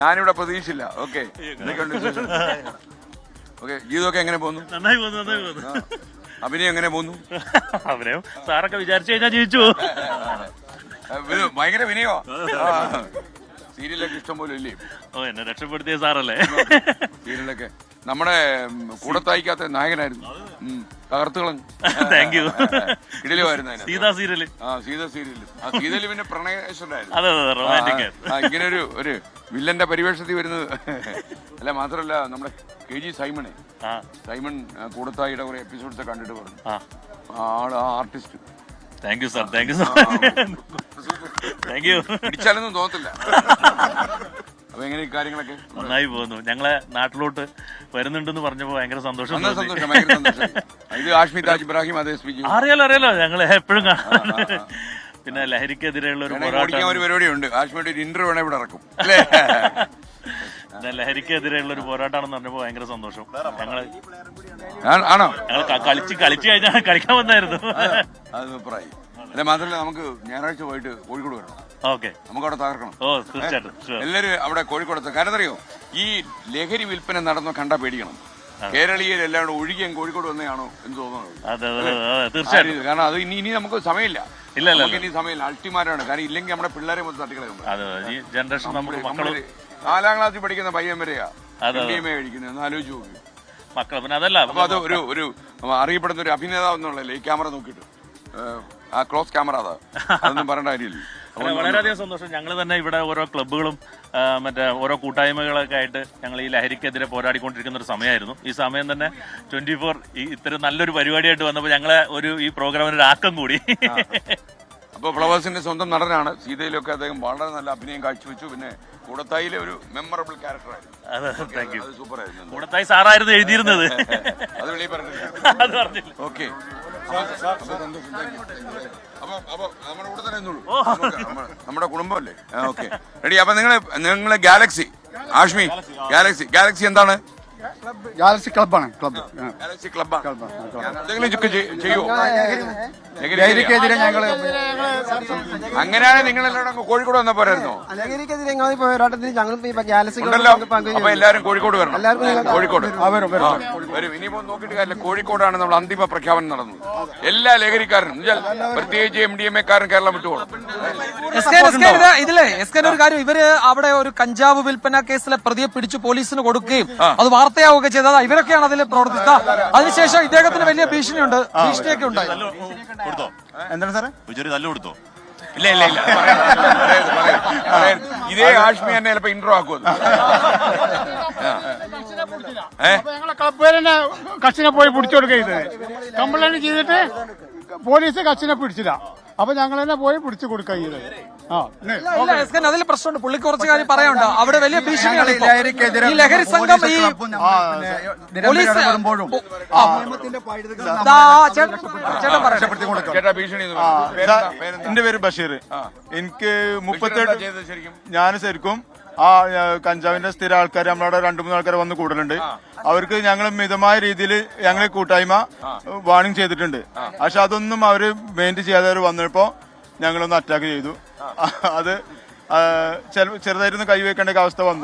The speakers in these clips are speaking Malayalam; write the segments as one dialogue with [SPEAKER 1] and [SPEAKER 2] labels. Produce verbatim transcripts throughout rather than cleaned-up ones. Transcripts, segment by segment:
[SPEAKER 1] ഞാനിവിടെ പ്രതീക്ഷിച്ചില്ല. ഓക്കെ ഓക്കെ ജീവിതമൊക്കെ എങ്ങനെ പോകുന്നു?
[SPEAKER 2] നന്നായി പോകുന്നു നന്നായി പോകുന്നു.
[SPEAKER 1] അഭിനയം എങ്ങനെ പോകുന്നു?
[SPEAKER 2] അഭിനയം സാറൊക്കെ വിചാരിച്ചു കഴിഞ്ഞാൽ ജീവിച്ചു.
[SPEAKER 1] ഭയങ്കര വിനയോ. സീരിയലൊക്കെ ഇഷ്ടം പോലെ ഇല്ലേ?
[SPEAKER 2] ഓ എന്നെ രക്ഷപ്പെടുത്തിയ സാറല്ലേ.
[SPEAKER 1] സീരിയലൊക്കെ നമ്മുടെ കൂടത്തായിക്കാത്ത നായകനായിരുന്നു. തകർത്തുകളഞ്ഞു.
[SPEAKER 2] Thank you.
[SPEAKER 1] ഇടയിലുമായിരുന്നു
[SPEAKER 2] സീതാ സീരിയല്.
[SPEAKER 1] ആ സീത സീരിയല്. ആ സീതയില് പിന്നെ പ്രണയേശ്വരായിരുന്നു.
[SPEAKER 2] അതെ അതെ റൊമാൻറ്റിക്.
[SPEAKER 1] ഇങ്ങനെ ഒരു ഒരു വില്ലന്റെ പരിവേഷത്തിൽ വരുന്നത്. അല്ല മാത്രമല്ല നമ്മുടെ കെ ജി സൈമണേ സൈമൺ കൂടത്തായിയുടെ കുറെ എപ്പിസോഡ്സ് കണ്ടിട്ട് പറഞ്ഞു ആള് ആ artist.
[SPEAKER 2] Thank you sir thank you sir thank you.
[SPEAKER 1] പിടിച്ചാലൊന്നും തോന്നത്തില്ല. അപ്പൊ എങ്ങനെ കാര്യങ്ങളൊക്കെ?
[SPEAKER 2] നന്നായി പോകുന്നു. ഞങ്ങളെ നാട്ടിലോട്ട് വരുന്നുണ്ടെന്ന് പറഞ്ഞപ്പോ ഭയങ്കര സന്തോഷം.
[SPEAKER 1] ഇത് ആഷ്മി താജ് ഇബ്രാഹിം അതേ സ്പീച്ച്
[SPEAKER 2] അറിയാലോ അറിയാലോ ഞങ്ങള് എപ്പോഴും കാണാറുണ്ട്. പിന്നെ ലഹരിക്കെതിരെയുള്ള ഒരു പോരാട്ടം
[SPEAKER 1] ഒരു പരിപാടിയുണ്ട്. ആഷ്മിയുടെ ഒരു ഇന്റർവ്യൂ വേണേ ഇവിടെ ഇറക്കും.
[SPEAKER 2] പിന്നെ ലഹരിക്കെതിരെയുള്ള ഒരു പോരാട്ടമാണെന്ന് പറഞ്ഞപ്പോ ഭയങ്കര സന്തോഷം. ഞങ്ങള്
[SPEAKER 1] ആണോ
[SPEAKER 2] ഞങ്ങൾ കളിച്ച് കളിച്ചു കഴിഞ്ഞാൽ കളിക്കാൻ വന്നായിരുന്നു.
[SPEAKER 1] അത് സൂപ്പറായി. അല്ല മാത്രമല്ല നമുക്ക് ഞായറാഴ്ച പോയിട്ട് കോഴിക്കോട് വരണം.
[SPEAKER 2] ഓക്കെ
[SPEAKER 1] നമുക്ക് അവിടെ തകർക്കണം.
[SPEAKER 2] ഓ തീർച്ചയായിട്ടും
[SPEAKER 1] എല്ലാവരും അവിടെ കോഴിക്കോടത്ത്. കാരണം അറിയോ ഈ ലഹരി വിൽപ്പന നടന്ന കണ്ടാ പേടിക്കണം. കേരളീയർ എല്ലാം കൂടെ ഒഴുകിയും കോഴിക്കോട് വന്നതാണോ എന്ന് തോന്നുന്നത്.
[SPEAKER 2] തീർച്ചയായിട്ടും.
[SPEAKER 1] കാരണം അത് ഇനി ഇനി നമുക്ക് സമയമില്ല.
[SPEAKER 2] ഇല്ല ഇല്ല
[SPEAKER 1] ഇനി സമയമില്ല. അൾട്ടിമാരാണ്. കാരണം ഇല്ലെങ്കിൽ നമ്മുടെ പിള്ളേരെ മൊത്തം തട്ടിക്കളയും.
[SPEAKER 2] ഈ ജനറേഷൻ നമ്മള്
[SPEAKER 1] നാലാം ക്ലാസ്സിൽ പഠിക്കുന്ന പയ്യൻ വരെയാ കഴിക്കുന്നത്. ഒന്ന് ആലോചിച്ച് നോക്കി
[SPEAKER 2] മക്കളെ. പിന്നെ അതല്ല
[SPEAKER 1] അപ്പൊ അത് ഒരു ഒരു അറിയപ്പെടുന്ന ഒരു അഭിനേതാവ് എന്നുള്ളല്ലേ ഈ ക്യാമറ നോക്കിയിട്ട് ആ ക്ലോസ് ക്യാമറ അതാ അതൊന്നും പറയേണ്ട കാര്യമില്ല.
[SPEAKER 2] വളരെയധികം സന്തോഷം. ഞങ്ങൾ തന്നെ ഇവിടെ ഓരോ ക്ലബ്ബുകളും മറ്റേ ഓരോ കൂട്ടായ്മകളൊക്കെ ആയിട്ട് ഞങ്ങൾ ഈ ലഹരിക്കെതിരെ പോരാടിക്കൊണ്ടിരിക്കുന്ന ഒരു സമയമായിരുന്നു. ഈ സമയം തന്നെ ട്വന്റി ഫോർ ഇത്തരം നല്ലൊരു പരിപാടിയായിട്ട് വന്നപ്പോൾ ഞങ്ങളെ ഒരു ഈ പ്രോഗ്രാമിന് ഒരു ആക്കം കൂടി.
[SPEAKER 1] അപ്പോൾ ഫ്ലവേഴ്സിന്റെ സ്വന്തം നടനാണ്. സീതയിലൊക്കെ അദ്ദേഹം വളരെ നല്ല അഭിനയം കാഴ്ചവെച്ചു. പിന്നെ കൂടത്തായിലെ ഒരു മെമ്മറബിൾ ക്യാരക്ടറായിരുന്നു. സൂപ്പറായിരുന്നു.
[SPEAKER 2] കൂടത്തായി സാറായിരുന്നു എഴുതിയിരുന്നത്.
[SPEAKER 1] അത് വെളിയിൽ പറഞ്ഞില്ല.
[SPEAKER 2] അത് പറഞ്ഞില്ല.
[SPEAKER 1] ഓക്കെ നമ്മുടെ കുടുംബമല്ലേ? Okay ready. അപ്പൊ നിങ്ങള് നിങ്ങള് ഗാലക്സി ആഷ്മി ഗാലക്സി ഗാലക്സി എന്താണ്?
[SPEAKER 3] ഗാലക്സി ക്ലബ്ബാണ്. ക്ലബ്
[SPEAKER 1] ഗാലക്സി ക്ലബ്ബാണ്. എന്തെങ്കിലും ചെയ്യോ?
[SPEAKER 3] ലഹരിക്കെതിരെ ഞങ്ങള്
[SPEAKER 1] അങ്ങനെയാണെങ്കിൽ നിങ്ങളെല്ലാവരും കോഴിക്കോട് വന്ന പോരായിരുന്നോ?
[SPEAKER 3] ലഹരിക്കെതിരെ പോരാട്ടത്തിന് ഞങ്ങൾ
[SPEAKER 1] അപ്പൊ എല്ലാവരും കോഴിക്കോട് വരണം. കോഴിക്കോട് വരും. ഇനിയിപ്പോ നോക്കിയിട്ട് കാര്യമില്ല. കോഴിക്കോടാണ് നമ്മൾ അന്തിമ പ്രഖ്യാപനം നടന്നത്. എല്ലാ ലഹരിക്കാരനും പ്രത്യേകിച്ച് എം ഡി എം എക്കാരൻ കേരളം വിട്ടുപോകണം.
[SPEAKER 4] ഇതിലെ എസ് കെ ഒരു കാര്യം, ഇവര് അവിടെ ഒരു കഞ്ചാവ് വിൽപ്പന കേസിലെ പ്രതിയെ പിടിച്ചു പോലീസിന് കൊടുക്കുകയും അത് വാർത്തയാവുകയൊക്കെ ചെയ്തത് ഇവരൊക്കെയാണ് അതിൽ പ്രവർത്തിച്ചത്. അതിനുശേഷം ഇദ്ദേഹത്തിന് വലിയ ഭീഷണിയുണ്ട്, ഭീഷണിയൊക്കെ ഉണ്ടായി.
[SPEAKER 3] എന്താണ് സാറേ
[SPEAKER 2] നല്ല കൊടുത്തോ?
[SPEAKER 1] ഇല്ല ഇല്ല ഇല്ല ഇതേ ആഷ്മി തന്നെ ചിലപ്പോ ഇൻട്രോ ആക്കുമത്.
[SPEAKER 5] ഞങ്ങളെ ക്ലബ്ബുകാരനെ കച്ചിനെ പോയി പിടിച്ചു കൊടുക്കരുത്. കംപ്ലൈന്റ് ചെയ്തിട്ട് പോലീസ് കച്ചിനെ പിടിച്ചില്ല. അപ്പൊ ഞങ്ങൾ തന്നെ പോയി പിടിച്ചു കൊടുക്കുക.
[SPEAKER 4] അതിൽ പ്രശ്നമുണ്ട്. പുള്ളിക്ക് കുറച്ച് കാര്യം പറയാനുണ്ട്. അവിടെ വലിയ ഭീഷണിയാണ്. ഈ ലഹരി സംഘം ഈ
[SPEAKER 3] എന്റെ പേര് ബഷീർ. എനിക്ക് മുപ്പത്തെട്ട് ഞാൻ ശരിക്കും ആ കഞ്ചാവിന്റെ സ്ഥിര ആൾക്കാർ നമ്മളവിടെ രണ്ടു മൂന്ന് ആൾക്കാർ വന്ന് കൂടുതലുണ്ട്. അവർക്ക് ഞങ്ങൾ മിതമായ രീതിയിൽ ഞങ്ങളെ കൂട്ടായ്മ വാണിംഗ് ചെയ്തിട്ടുണ്ട്. പക്ഷെ അതൊന്നും അവര് മെയിൻറ്റെയിൻ ചെയ്യാതെ അവർ വന്നപ്പോ ഞങ്ങളൊന്ന് അറ്റാക്ക് ചെയ്തു. അത് ചെറുതായിരുന്നു കൈവയ്ക്കേണ്ട അവസ്ഥ വന്നു.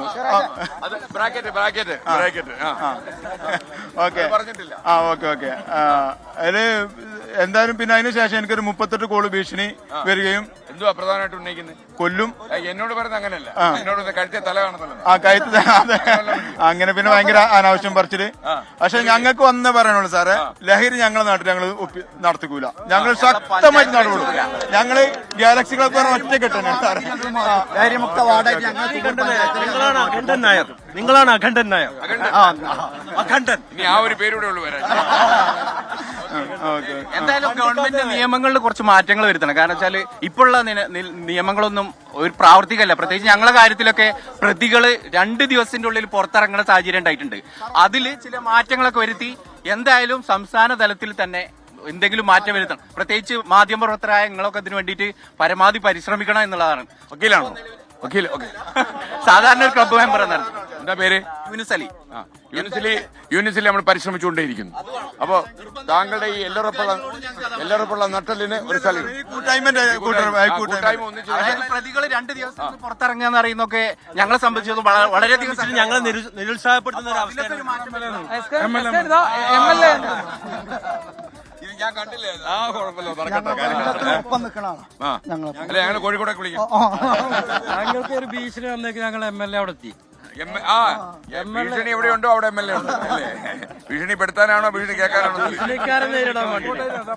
[SPEAKER 3] ഓക്കെ ആ ഓക്കെ ഓക്കെ അതില് എന്തായാലും പിന്നെ അതിന് ശേഷം എനിക്കൊരു മുപ്പത്തെട്ട് കോള് ഭീഷണി വരികയും
[SPEAKER 1] എന്തുവാ പ്രധാനമായിട്ട് ഉന്നയിക്കുന്നത്?
[SPEAKER 3] കൊല്ലും.
[SPEAKER 1] എന്നോട് പറയുന്നത് അങ്ങനെയല്ല. എന്നോട് കഴുത്തെ തല കാണുന്നല്ലോ.
[SPEAKER 3] ആ കഴുത്ത് അങ്ങനെ പിന്നെ ഭയങ്കര അനാവശ്യം പറിച്ചിട്ട്. പക്ഷെ ഞങ്ങൾക്ക് വന്ന് പറയാനുള്ളൂ സാറേ, ലഹരി ഞങ്ങളെ നാട്ടിൽ ഞങ്ങൾ നടത്തിക്കൂല. ഞങ്ങൾ ശക്തമായിട്ട് നടപടി. ഞങ്ങള് ഗാലക്സി ക്ലബ് ഒറ്റ കെട്ടാണ് സാറേ.
[SPEAKER 5] ലഹരിമുക്ത വാർഡായിട്ട്
[SPEAKER 2] നിങ്ങളാണ് അഖണ്ഡൻ നായർ. നിങ്ങളാണ് അഖണ്ഡൻ നായർ. അഖണ്ഡൻ.
[SPEAKER 1] ഇനി ആ ഒരു പേരൂടെ ഉള്ളു വരാൻ.
[SPEAKER 6] എന്തായാലും ഗവൺമെന്റ് നിയമങ്ങളിൽ കുറച്ച് മാറ്റങ്ങൾ വരുത്തണം. കാരണം വെച്ചാല് ഇപ്പോഴുള്ള നിയമങ്ങളൊന്നും ഒരു പ്രാവർത്തികമല്ല. പ്രത്യേകിച്ച് ഞങ്ങളുടെ കാര്യത്തിലൊക്കെ പ്രതികള് രണ്ട് ദിവസത്തിന്റെ ഉള്ളിൽ പുറത്തിറങ്ങുന്ന സാഹചര്യം ഉണ്ടായിട്ടുണ്ട്. അതില് ചില മാറ്റങ്ങളൊക്കെ വരുത്തി എന്തായാലും സംസ്ഥാന തലത്തിൽ തന്നെ എന്തെങ്കിലും മാറ്റം വരുത്തണം. പ്രത്യേകിച്ച് മാധ്യമപ്രവർത്തകരായ നിങ്ങളൊക്കെ ഇതിനു വേണ്ടിയിട്ട് പരമാവധി പരിശ്രമിക്കണം എന്നുള്ളതാണ്.
[SPEAKER 1] വക്കീലാണോ? വക്കീൽ. ഓക്കെ.
[SPEAKER 6] സാധാരണ ഒരു ക്ലബ്ബ് മെമ്പർ എന്നാണ്.
[SPEAKER 1] എന്താ പേര്?
[SPEAKER 6] യൂനുസ് അലി.
[SPEAKER 1] യൂണിസിലി യൂണിസിലി നമ്മൾ പരിശ്രമിച്ചുകൊണ്ടേയിരിക്കുന്നു. അപ്പോ താങ്കളുടെ ഈ എല്ലറപ്പുള്ള എല്ലറപ്പുള്ള നട്ടലിന് ഒരു സ്ഥലം കൂട്ടായ്മ ഒന്നിച്ച്
[SPEAKER 6] അതായത് പ്രതികൾ രണ്ട് ദിവസം പുറത്തിറങ്ങുക എന്ന് പറയുന്നതൊക്കെ ഞങ്ങളെ സംബന്ധിച്ചത് വള- വളരെയധികം
[SPEAKER 2] ഞങ്ങളെ നിരുത്സാഹപ്പെടുത്തുന്ന ഒരു അവസ്ഥ.
[SPEAKER 4] എം എൽ എ
[SPEAKER 1] ഇത് ഞാൻ കണ്ടില്ലേ? ആ കുഴപ്പമില്ല, നടക്കട്ടെ കാര്യങ്ങൾ.
[SPEAKER 5] ഒപ്പം നിൽക്കണ
[SPEAKER 1] ആ അല്ലെ ഞങ്ങൾ കോഴിക്കോടൊക്കെ വിളിക്കും.
[SPEAKER 7] ഞങ്ങൾക്ക് ഒരു ഭീഷണി വന്നേക്ക് ഞങ്ങൾ എം എൽ എ അവിടെ എത്തി.
[SPEAKER 1] എം- ആ ഭീഷണി എവിടെയുണ്ടോ അവിടെ എം എൽ എ ഉണ്ട് അല്ലേ? ഭീഷണിപ്പെടുത്താനാണോ ഭീഷണി കേൾക്കാനാണോ?
[SPEAKER 7] ഭീഷണിക്കാരെ നേരിടാൻ വേണ്ടി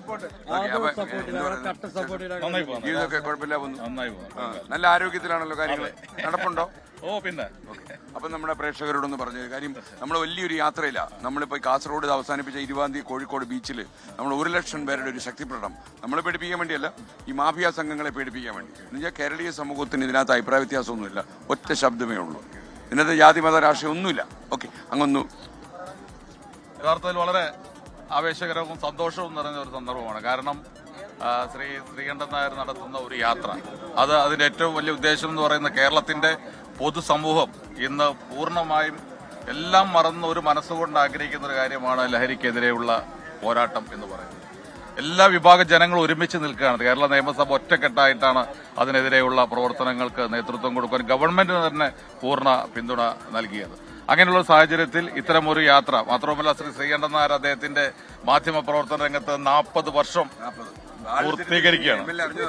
[SPEAKER 1] ജീവിതമൊക്കെ കുഴപ്പമില്ല പോകുന്നു. ആ, നല്ല ആരോഗ്യത്തിലാണല്ലോ കാര്യങ്ങൾ. നടപ്പുണ്ടോ?
[SPEAKER 2] ഓ പിന്നെ
[SPEAKER 1] അപ്പം നമ്മുടെ പ്രേക്ഷകരോടൊന്ന് പറഞ്ഞു കാര്യം, നമ്മൾ വലിയൊരു യാത്രയില്ല. നമ്മളിപ്പോൾ കാസർഗോഡ് ഇത് അവസാനിപ്പിച്ച ഇരുപതാം തീയതി കോഴിക്കോട് ബീച്ചിൽ നമ്മൾ ഒരു ലക്ഷം പേരുടെ ഒരു ശക്തിപ്രകടനം നമ്മളെ പേടിപ്പിക്കാൻ വേണ്ടിയല്ല, ഈ മാഫിയ സംഘങ്ങളെ പേടിപ്പിക്കാൻ വേണ്ടി. എന്നുവെച്ചാൽ കേരളീയ സമൂഹത്തിന് ഇതിനകത്ത് അഭിപ്രായ വ്യത്യാസമൊന്നുമില്ല, ഒറ്റ ശബ്ദമേ ഉള്ളൂ. ഇതിനകത്ത് ജാതി മത രാഷ്ട്രീയം ഒന്നുമില്ല. ഓക്കെ, അങ്ങൊന്നു
[SPEAKER 8] യഥാർത്ഥത്തിൽ വളരെ ആവേശകരവും സന്തോഷവും നിറഞ്ഞ ഒരു സന്ദർഭമാണ്. കാരണം ആ, ശ്രീ ശ്രീകണ്ഠൻ നായർ നടത്തുന്ന ഒരു യാത്ര, അത് അതിന്റെ ഏറ്റവും വലിയ ഉദ്ദേശം എന്ന് പറയുന്ന കേരളത്തിന്റെ പൊതുസമൂഹം ഇന്ന് പൂർണ്ണമായും എല്ലാം മറന്ന് ഒരു മനസ്സുകൊണ്ട് ആഗ്രഹിക്കുന്ന ഒരു കാര്യമാണ് ലഹരിക്കെതിരെയുള്ള പോരാട്ടം എന്ന് പറയുന്നത്. എല്ലാ വിഭാഗ ജനങ്ങളും ഒരുമിച്ച് നിൽക്കുകയാണ്. കേരള നിയമസഭ ഒറ്റക്കെട്ടായിട്ടാണ് അതിനെതിരെയുള്ള പ്രവർത്തനങ്ങൾക്ക് നേതൃത്വം കൊടുക്കാൻ ഗവൺമെന്റിന് തന്നെ പൂർണ്ണ പിന്തുണ നൽകിയത്. അങ്ങനെയുള്ള സാഹചര്യത്തിൽ ഇത്തരം ഒരു യാത്ര മാത്രമല്ല, ശ്രീ ശ്രീകണ്ഠൻ നായർ അദ്ദേഹത്തിന്റെ മാധ്യമ പ്രവർത്തന രംഗത്ത് നാൽപ്പത് വർഷം പൂർത്തീകരിക്കുകയാണ്.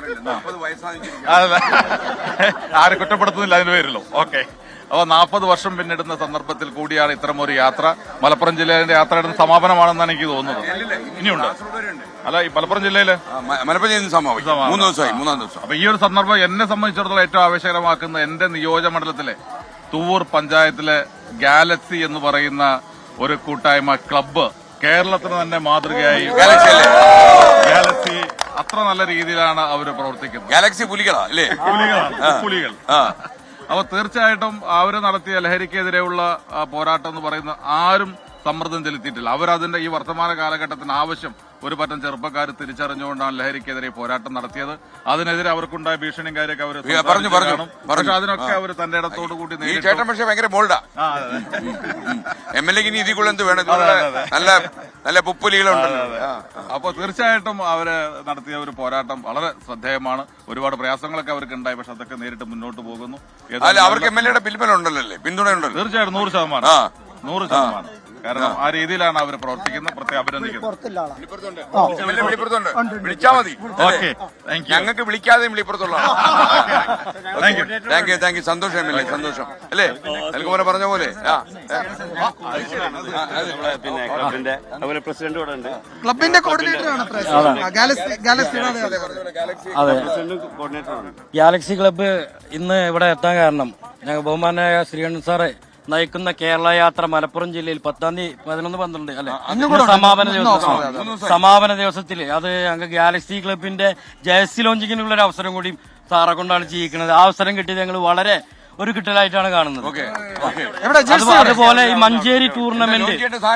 [SPEAKER 8] ആരെ കുറ്റപ്പെടുത്തുന്നില്ല അതിന് പേരിലോ. ഓക്കെ, അപ്പോൾ നാൽപ്പത് വർഷം പിന്നിടുന്ന സന്ദർഭത്തിൽ കൂടിയാണ് ഇത്തരം ഒരു യാത്ര. മലപ്പുറം ജില്ലയിലെ യാത്രയുടെ സമാപനമാണെന്നാണ് എനിക്ക് തോന്നുന്നത്. ഇനിയുണ്ട് അല്ല, ഈ മലപ്പുറം ജില്ലയില്
[SPEAKER 1] മലപ്പുറം സമാപിക്കും മൂന്ന് ദിവസമായി മൂന്നാം ദിവസം.
[SPEAKER 8] അപ്പൊ ഈ ഒരു സന്ദർഭം എന്നെ സംബന്ധിച്ചിടത്തോളം ഏറ്റവും ആവേശകരമാക്കുന്ന എന്റെ നിയോജകമണ്ഡലത്തിലെ തൂവൂർ പഞ്ചായത്തിലെ ഗാലക്സി എന്ന് പറയുന്ന ഒരു കൂട്ടായ്മ ക്ലബ്ബ് കേരളത്തിന് തന്നെ മാതൃകയായി. ഗാലക്സി അത്ര നല്ല രീതിയിലാണ് അവര് പ്രവർത്തിക്കുന്നത്.
[SPEAKER 1] ഗാലക്സി പുലികളാ അല്ലേ?
[SPEAKER 8] പുലികളാണ്, പുലികൾ. അപ്പൊ തീർച്ചയായിട്ടും അവര് നടത്തിയ ലഹരിക്കെതിരെയുള്ള പോരാട്ടം എന്ന് പറയുന്ന ആരും സമ്മർദ്ദം ചെലുത്തിയിട്ടില്ല. അവരതിന്റെ ഈ വർത്തമാന കാലഘട്ടത്തിന് ആവശ്യം ഒരു പറ്റം ചെറുപ്പക്കാർ തിരിച്ചറിഞ്ഞുകൊണ്ടാണ് ലഹരിക്കെതിരെ പോരാട്ടം നടത്തിയത്. അതിനെതിരെ അവർക്കുണ്ടായ ഭീഷണിയും കാര്യമൊക്കെ അവർ
[SPEAKER 1] പറഞ്ഞു പറഞ്ഞു
[SPEAKER 8] പക്ഷെ അതിനൊക്കെ അവർ തന്റെ ഇടത്തോടു കൂടി
[SPEAKER 1] ഈ ചേട്ടൻ പക്ഷെ ഭയങ്കര ബോൾഡാ. എം എൽ എക്ക് ഇനി ഇതിക്കുള്ള എന്ത് വേണം? നല്ല നല്ല പുപ്പുലികളുണ്ട്.
[SPEAKER 8] അപ്പൊ തീർച്ചയായിട്ടും അവര് നടത്തിയ ഒരു പോരാട്ടം വളരെ ശ്രദ്ധേയമാണ്. ഒരുപാട് പ്രയാസങ്ങളൊക്കെ അവർക്ക് ഉണ്ടായി, പക്ഷെ അതൊക്കെ നേരിട്ട് മുന്നോട്ട് പോകുന്നു.
[SPEAKER 1] അല്ല, അവർക്ക് എം എൽ എയുടെ പിന്തുണയുണ്ടല്ലോ അല്ലേ? പിന്തുണയുണ്ടല്ലോ
[SPEAKER 8] തീർച്ചയായിട്ടും, നൂറ് ശതമാനം നൂറ് ശതമാനം കാരണം ആ രീതിയിലാണ് അവർ പ്രവർത്തിക്കുന്നത്. പ്രത്യേകം അഭിനന്ദിക്കുന്നത്.
[SPEAKER 1] വിളിച്ചാ മതി. ഞങ്ങൾക്ക് വിളിക്കാതെ വിളിപ്പുറത്തുള്ള താങ്ക് യു താങ്ക് യു സന്തോഷം എം എൽ എ, സന്തോഷം അല്ലേ? എനിക്ക് പോലെ പറഞ്ഞ പോലെ
[SPEAKER 7] പിന്നെ ക്ലബിന്റെ അതുപോലെ പ്രസിഡന്റ് ഇവിടെ ഉണ്ട്.
[SPEAKER 4] ക്ലബിന്റെ കോർഡിനേറ്റർ ആണ്
[SPEAKER 7] അതെ, ഗാലക്സി ക്ലബ്ബ് ഇന്ന് ഇവിടെ എത്താൻ കാരണം ഞങ്ങൾ ബഹുമാനായ ശ്രീകണ്ഠൻ സാറെ നയിക്കുന്ന കേരള യാത്ര മലപ്പുറം ജില്ലയിൽ പത്താം തീയതി പതിനൊന്ന് പന്ത്രണ്ട് അല്ലെ സമാപന ദിവസം സമാപന ദിവസത്തിൽ അത് ഞങ്ങൾ ഗാലക്സി ക്ലബിന്റെ ജേഴ്സി ലോഞ്ചിങ്ങിനുള്ള ഒരു അവസരം കൂടി സാറെ കൊണ്ടാണ് ചെയ്യിക്കുന്നത്. ആ അവസരം കിട്ടിയത് ഞങ്ങൾ വളരെ ഒരു കിട്ടലായിട്ടാണ് കാണുന്നത്. അതുപോലെ ഈ മഞ്ചേരി ടൂർണമെന്റ്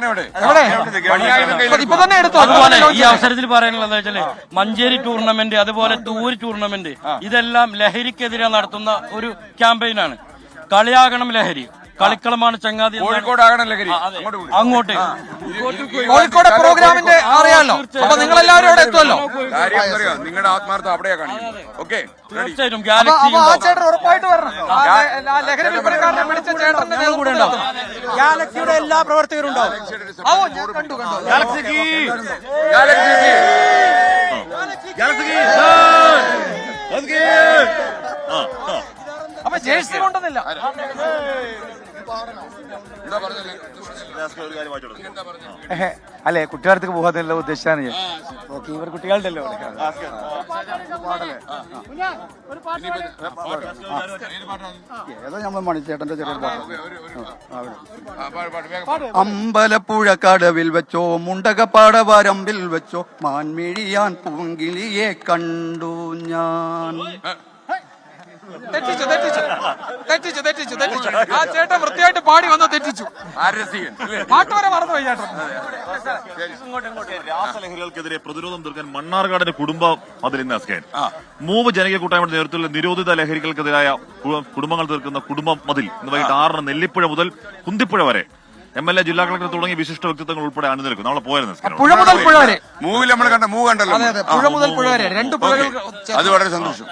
[SPEAKER 7] അതുപോലെ ഈ അവസരത്തിൽ പറയാനുള്ളത് എന്താ വെച്ചാല് മഞ്ചേരി ടൂർണമെന്റ് അതുപോലെ തൂര് ടൂർണമെന്റ് ഇതെല്ലാം ലഹരിക്കെതിരെ നടത്തുന്ന ഒരു ക്യാമ്പയിനാണ്. കളിയാകണം ലഹരി, കളിക്കളമാണ് ചങ്ങാതി.
[SPEAKER 1] കോഴിക്കോടാകണം ലഹരി.
[SPEAKER 4] അങ്ങോട്ട് കോഴിക്കോട് പ്രോഗ്രാമിന്റെ അറിയാമല്ലോ. അപ്പൊ നിങ്ങൾ എല്ലാവരും അവിടെ എത്തുമല്ലോ.
[SPEAKER 1] നിങ്ങളുടെ ആത്മാർത്ഥം അവിടെയാ കാണിക്കുന്നത്. ഓക്കെ,
[SPEAKER 7] തീർച്ചയായിട്ടും ഗാലക്സി
[SPEAKER 4] ഉറപ്പായിട്ട് വരണം. ലഹരി വിൽപ്പനക്കാരനെ പിടിച്ച ചേട്ടന്റെ കൂടെ ഉണ്ടാവും.
[SPEAKER 7] ഗാലക്സിയുടെ എല്ലാ പ്രവർത്തകരും ഉണ്ടാവും.
[SPEAKER 4] കണ്ടു കണ്ടു
[SPEAKER 7] ഗാലക്സിക്ക്
[SPEAKER 4] അപ്പൊ ജേഴ്സി കൊണ്ടുവന്നില്ല.
[SPEAKER 5] അല്ലെ, കുട്ടികളടുത്തേക്ക് പോകാനുള്ള ഉദ്ദേശിച്ചാണ് ഞാൻ.
[SPEAKER 7] ഓക്കെ, ഇവർ കുട്ടികളുണ്ടല്ലോ.
[SPEAKER 5] ഏതോ നമ്മൾ മണിച്ചേട്ടന്റെ ചെറിയ
[SPEAKER 9] അമ്പലപ്പുഴ കടവിൽ വെച്ചോ മുണ്ടകപ്പാട വരമ്പിൽ വെച്ചോ മാൻമിഴിയാൻ പൂങ്കിളിയെ കണ്ടു ഞാൻ.
[SPEAKER 4] തെറ്റിച്ചു തെറ്റിച്ചു തെറ്റിച്ചു തെറ്റിച്ചു തെറ്റിച്ചു ആ ചേട്ടൻ വൃത്തിയായിട്ട് പാടി വന്ന് തെറ്റിച്ചു.
[SPEAKER 1] ആരസികൻ അല്ലേ?
[SPEAKER 4] പാട്ട് വരെ മറന്നുപോയി ചേട്ടൻ.
[SPEAKER 10] രാസലഹരികൾക്കെതിരെ പ്രതിരോധം തീർക്കാൻ മണ്ണാർക്കാടിന്റെ കുടുംബം അതിൽ ഇന്ന് അസ്കേൻ മൂവ് ജനകീയ കൂട്ടായ്മയുടെ നേതൃത്വത്തിൽ നിരോധിത ലഹരികൾക്കെതിരായ കു- കുടുംബങ്ങൾ തീർക്കുന്ന കുടുംബം മതിൽ ഇന്ന് വൈകിട്ട് ആറിന് നെല്ലിപ്പുഴ മുതൽ കുന്തിപ്പുഴ വരെ എം എൽ എ ജില്ലാ കളക്ടർ തുടങ്ങിയ വിശിഷ്ട വ്യക്തിത്വങ്ങൾ ഉൾപ്പെടെ അണിനിരക്കും. നമ്മളെ പോയായിരുന്നു
[SPEAKER 4] പുഴ മുതൽ പുഴ വരെ.
[SPEAKER 1] മൂവിൽ നമ്മൾ കണ്ട മൂവ് കണ്ടല്ലോ.
[SPEAKER 4] അതെ അതെ പുഴ മുതൽ പുഴ വരെ രണ്ട് പുഴകൾ.
[SPEAKER 1] അത് വളരെ സന്തോഷം.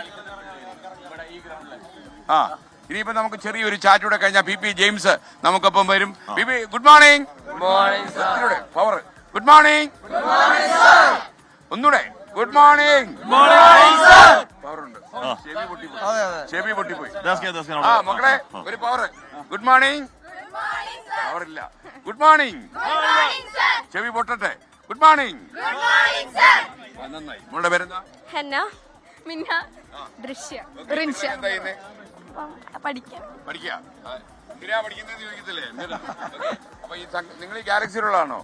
[SPEAKER 1] ആ ഇനിയിപ്പോ നമുക്ക് ചെറിയൊരു ചാറ്റൂടെ കഴിഞ്ഞാൽ പി പി ജെയിംസ് നമുക്കൊപ്പം വരും. P P good morning. Power good morning. ഒന്നൂടെ ഗുഡ് മോർണിംഗ്. പവറുണ്ട്. ചെവി പൊട്ടിപ്പോയി. ചെവി പൊട്ടിപ്പോയി. ആ മക്കളെ ഒരു പവർ. Good morning. പവറില്ല. Good morning. ചെവി പൊട്ടട്ടെ. Good morning. നന്നായി. മോളുടെ പേരെന്താ?
[SPEAKER 11] ഹെന്ന, മിന്ന, ദൃശ്യ, റിൻഷ.
[SPEAKER 1] എന്താ ചെയ്യുന്നേ?
[SPEAKER 11] പഠിക്കാം.
[SPEAKER 1] പഠിക്കുക. എന്തിനാ പഠിക്കുന്നതെന്ന് ചോദിക്കത്തില്ലേ? എന്തിനാ? ഓക്കേ. അപ്പൊ ഈ സംഘ- നിങ്ങൾ ഈ ഗാലക്സിയിലുള്ളതാണോ?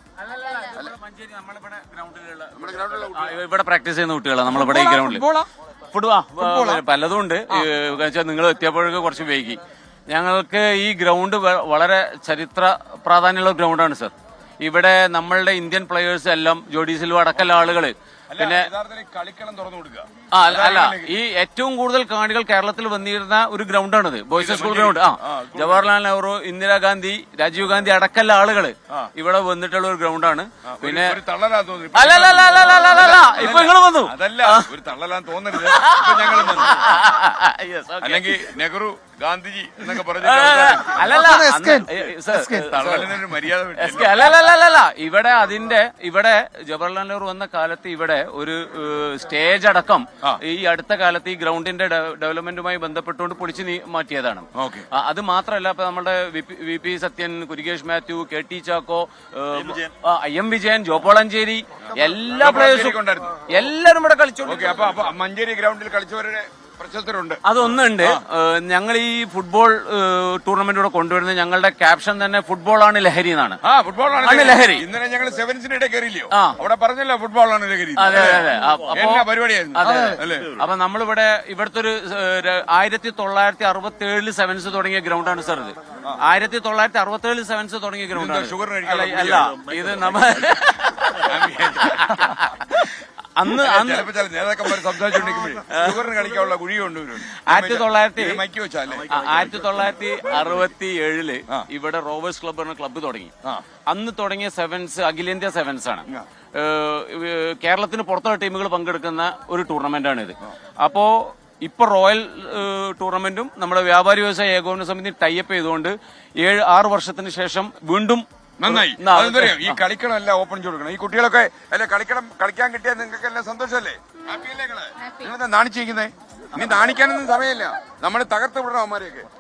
[SPEAKER 1] നമ്മുടെ ഗ്രൗണ്ടിലുള്ള കുട്ടികൾ.
[SPEAKER 6] ഇവിടെ പ്രാക്ടീസ് ചെയ്യുന്ന കുട്ടികളാണ് നമ്മളിവിടെ ഈ ഗ്രൗണ്ടിൽ.
[SPEAKER 4] ഫുട്ബോളാ?
[SPEAKER 6] ഫുട്ബോൾ പലതും ഉണ്ട്. നിങ്ങൾ എത്തിയപ്പോഴൊക്കെ കുറച്ച് വൈകി. ഞങ്ങൾക്ക് ഈ ഗ്രൗണ്ട് വ- വളരെ ചരിത്ര പ്രാധാന്യമുള്ള ഗ്രൗണ്ടാണ് സർ. ഇവിടെ നമ്മളുടെ ഇന്ത്യൻ പ്ലെയേഴ്സ് എല്ലാം ജോഡി സിൽവ അടക്കമുള്ള ആളുകള് പിന്നെ
[SPEAKER 1] യഥാർത്ഥത്തിൽ കളിക്കളം തുറന്നു കൊടുക്കുക.
[SPEAKER 6] ആ അല്ല ഈ ഏറ്റവും കൂടുതൽ കാണികൾ കേരളത്തിൽ വന്നിരുന്ന ഒരു ഗ്രൗണ്ടാണിത്. Boys school ground. ആ ജവഹർലാൽ നെഹ്റു, ഇന്ദിരാഗാന്ധി, രാജീവ് ഗാന്ധി അടക്കമുള്ള ആളുകള് ഇവിടെ വന്നിട്ടുള്ള ഒരു ഗ്രൗണ്ടാണ്. പിന്നെ
[SPEAKER 1] ഒരു തള്ളലാൻ തോന്നി.
[SPEAKER 6] അല്ല അല്ല അല്ല അല്ല അല്ല അല്ല ഇപ്പൊ നിങ്ങൾ വന്നു.
[SPEAKER 1] അതല്ല ഒരു തള്ളലാൻ തോന്നരുത്. ഇപ്പൊ ഞങ്ങൾ വന്നു. അല്ലെങ്കിൽ നെഹ്റു ഗാന്ധിജി എന്നൊക്കെ പറഞ്ഞു
[SPEAKER 6] അല്ലല്ല
[SPEAKER 1] തള്ളലിനൊരു മര്യാദ വിട്ടു.
[SPEAKER 6] എസ് കെ അല്ലല്ലല്ല ഇവിടെ അതിന്റെ ഇവിടെ ജവഹർലാൽ നെഹ്റു വന്ന കാലത്ത് ഇവിടെ ഒരു ഏഹ്, സ്റ്റേജ് അടക്കം ഈ അടുത്ത കാലത്ത് ഈ ഗ്രൗണ്ടിന്റെ ഡെ- ഡെവലപ്മെന്റുമായി ബന്ധപ്പെട്ടുകൊണ്ട് പൊളിച്ചു നീ- മാറ്റിയതാണ്.
[SPEAKER 1] ഓക്കെ.
[SPEAKER 6] ആ, അത് മാത്രമല്ല ഇപ്പൊ നമ്മുടെ V P Sathyan, Kurikesh Mathew, K T Chacko, ഏഹ്, ആ, ഐ എം വിജയൻ, ജോപ്പോളഞ്ചേരി എല്ലാ പ്ലേയേഴ്സും എല്ലാരും ഇവിടെ കളിച്ചു.
[SPEAKER 1] ഓക്കെ. അപ്പൊ അപ്പൊ മഞ്ചേരി ഗ്രൗണ്ടിൽ കളിച്ചവരുടെ പ്രശസ്തരുണ്ട്.
[SPEAKER 6] അതൊന്നുണ്ട്. ഞങ്ങൾ ഈ ഫുട്ബോൾ ടൂർണമെന്റ് ഇവിടെ കൊണ്ടുവരുന്നത് ഞങ്ങളുടെ ക്യാപ്ഷൻ തന്നെ ഫുട്ബോളാണ് ലഹരി എന്നാണ്.
[SPEAKER 1] ആ ഫുട്ബോളാണ്
[SPEAKER 6] ആണ് ലഹരി.
[SPEAKER 1] ഇന്നലെ ഞങ്ങൾ സെവൻസിനിടെ കയറിയില്ലയോ?
[SPEAKER 6] ആ.
[SPEAKER 1] അവിടെ പറഞ്ഞല്ലോ ഫുട്ബോളാണ് ലഹരി.
[SPEAKER 6] അതെ അതെ അതെ. അപ്പൊ-
[SPEAKER 1] എന്നാ പരിപാടിയായിരുന്നു
[SPEAKER 6] അതെ
[SPEAKER 1] അല്ലേ?
[SPEAKER 6] അപ്പൊ നമ്മളിവിടെ ഇവിടുത്തെ ഒരു ആയിരത്തി തൊള്ളായിരത്തി അറുപത്തി ഏഴില് സെവൻസ് തുടങ്ങിയ ഗ്രൗണ്ടാണ് സാർ ഇത്. ആയിരത്തി തൊള്ളായിരത്തി അറുപത്തി ഏഴില് സെവൻസ് തുടങ്ങിയ ഗ്രൗണ്ടാണ്.
[SPEAKER 1] ഷുഗർ
[SPEAKER 6] അല്ല അല്ല, ഇത് നമ്മ അന്ന് അന്ന്
[SPEAKER 1] ചിലപ്പോ ചില നേതാക്കന്മാർ സംസാരിച്ചുകൊണ്ടിരിക്കുമ്പോഴേ ഷുഗറിന് കളിക്കാനുള്ള കുഴി കൊണ്ടുവരും.
[SPEAKER 6] ആയിരത്തി തൊള്ളായിരത്തി
[SPEAKER 1] മൈക്ക് വെച്ചാലേ
[SPEAKER 6] ആ, ആയിരത്തി തൊള്ളായിരത്തി അറുപത്തി ഏഴില് ഇവിടെ റോവേഴ്സ് ക്ലബ് എന്ന ക്ലബ്ബ് തുടങ്ങി. അന്ന് തുടങ്ങിയ സെവൻസ് അഖിലേന്ത്യാ സെവൻസ് ആണ്. ഏഹ്, കേരളത്തിന് പുറത്തുള്ള ടീമുകൾ പങ്കെടുക്കുന്ന ഒരു ടൂർണമെന്റ് ആണ് ഇത്. അപ്പോ ഇപ്പൊ റോയൽ ഏഹ്, ടൂർണമെന്റും നമ്മുടെ വ്യാപാരി വ്യവസായ ഏകോപന സമിതി ടൈപ്പ് ചെയ്തുകൊണ്ട് ഏഴ് ആറ് വർഷത്തിന് ശേഷം വീണ്ടും
[SPEAKER 1] നന്നായി.
[SPEAKER 6] ന-
[SPEAKER 1] അതെന്തറിയാം, ഈ കളിക്കണം എല്ലാം ഓപ്പൺ ചെയ്ത് കൊടുക്കണം. ഈ കുട്ടികളൊക്കെ അല്ലെ കളിക്കണം, കളിക്കാൻ കിട്ടിയാൽ നിങ്ങൾക്ക് എല്ലാം സന്തോഷമല്ലേ? ഹാപ്പി അല്ലേ നിങ്ങള്? നിങ്ങളെന്താ നാണിച്ചിരിക്കുന്നേ? ഇനി നാണിക്കാനൊന്നും സമയമില്ല. നമ്മൾ തകർത്ത് വിടണം അവന്മാരെയൊക്കെ.